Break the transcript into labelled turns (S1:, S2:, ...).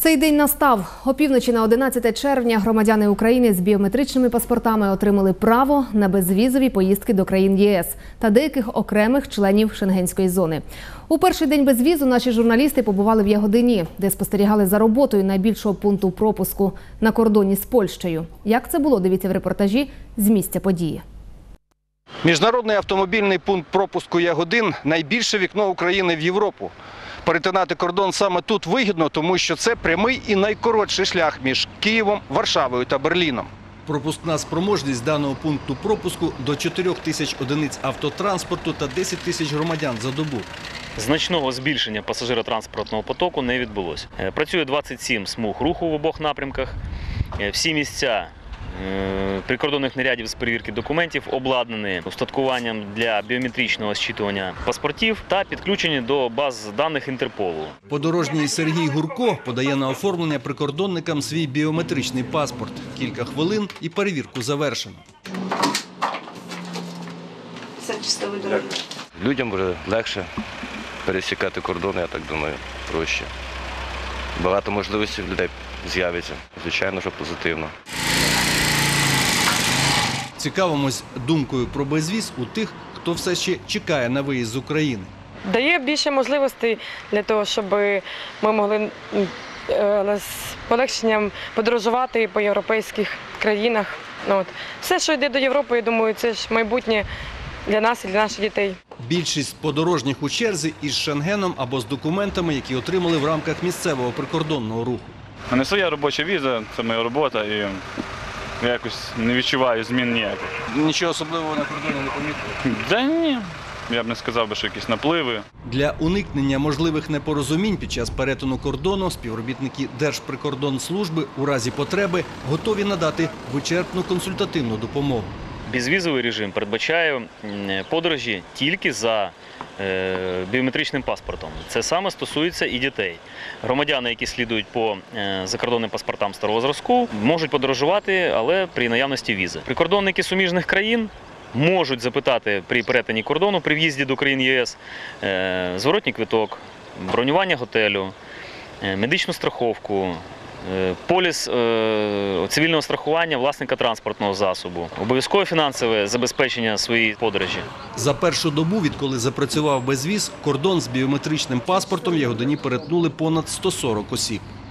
S1: Цей день настав. Опівночі на 11 червня громадяни України з біометричними паспортами отримали право на безвізові поїздки до країн ЄС та деяких окремих членів Шенгенської зони. У перший день безвізу наші журналісти побували в Ягодині, де спостерігали за роботою найбільшого пункту пропуску на кордоні з Польщею. Як це було, дивіться в репортажі з місця події.
S2: Міжнародний автомобільний пункт пропуску Ягодин – найбільше вікно України в Європу. Перетинати кордон саме тут вигідно, тому що це прямий і найкоротший шлях між Києвом, Варшавою та Берліном. Пропускна спроможність даного пункту пропуску – до 4 тисяч одиниць автотранспорту та 10 тисяч громадян за добу.
S3: Значного збільшення пасажиротранспортного потоку не відбулося. Працює 27 смуг руху в обох напрямках. Всі місця прикордонних нарядів з перевірки документів обладнані устаткуванням для біометричного зчитування паспортів та підключені до баз даних Інтерполу.
S2: Подорожній Сергій Гурко подає на оформлення прикордонникам свій біометричний паспорт. Кілька хвилин і перевірку завершено.
S4: Все щасливої дороги.
S5: Людям буде легше пересікати кордон, я так думаю, проще. Багато можливостей в людей з'явиться. Звичайно, що позитивно.
S2: Цікавимось думкою про безвіз у тих, хто все ще чекає на виїзд з України.
S6: Дає більше можливостей для того, щоб ми могли з полегшенням подорожувати по європейських країнах. Все, що йде до Європи, я думаю, це ж майбутнє для нас і для наших дітей.
S2: Більшість подорожніх у черзі із Шенгеном або з документами, які отримали в рамках місцевого прикордонного руху.
S7: У мене своя робоча віза, це моя робота, і я якось не відчуваю змін ніяких.
S2: Нічого особливого на кордоні не помітили?
S7: Да ні, я б не сказав, що якісь напливи.
S2: Для уникнення можливих непорозумінь під час перетину кордону співробітники Держприкордонслужби у разі потреби готові надати вичерпну консультативну допомогу.
S3: Безвізовий режим передбачає подорожі тільки за біометричним паспортом. Це саме стосується і дітей. Громадяни, які слідують по закордонним паспортам старого зразку, можуть подорожувати, але при наявності візи. Прикордонники суміжних країн можуть запитати при перетині кордону, при в'їзді до країн ЄС, зворотній квиток, бронювання готелю, медичну страховку, поліс цивільного страхування власника транспортного засобу, обов'язкове фінансове забезпечення своєї подорожі.
S2: За першу добу, відколи запрацював безвіз, кордон з біометричним паспортом в Ягодині перетнули понад 140 осіб.